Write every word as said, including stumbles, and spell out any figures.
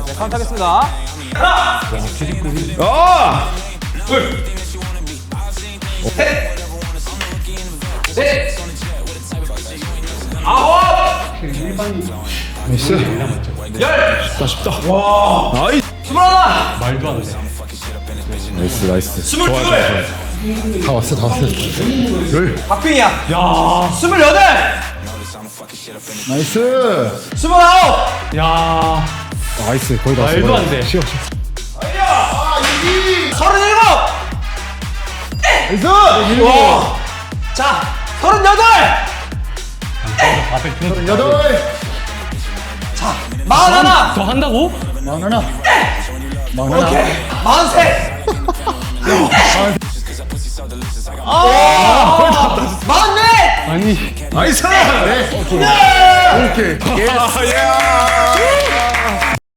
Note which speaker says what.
Speaker 1: 네, 카운트 하겠습니다.
Speaker 2: 아!
Speaker 3: 둘, 셋, 넷, 아홉,
Speaker 2: 나이스.
Speaker 3: 열,
Speaker 2: 아쉽다. 와. 나이.
Speaker 3: 스물하나,
Speaker 2: 말도 안 돼. 나이스 나이스.
Speaker 3: 스물둘,
Speaker 2: 다 왔어 다 왔어. 열.
Speaker 1: 박빙이야.
Speaker 3: 야,
Speaker 1: 스물여덟,
Speaker 2: 나이스.
Speaker 1: 스물아홉,
Speaker 3: 야,
Speaker 2: 나이스 거의 다 왔어.
Speaker 3: 말도 안 돼.
Speaker 2: 쉬어 쉬어.
Speaker 1: 서른일곱.
Speaker 2: 나이스.
Speaker 1: 와. 자, 서른여덟.
Speaker 2: 여덟.
Speaker 1: 자, 마흔하나.
Speaker 3: 더 한다고?
Speaker 2: 만원아. 만원아.
Speaker 1: 오케이. 마흔셋.
Speaker 2: 아.
Speaker 1: 마흔넷.
Speaker 3: 아니,
Speaker 2: 나이스. 네. 오케이. 오케이. 야.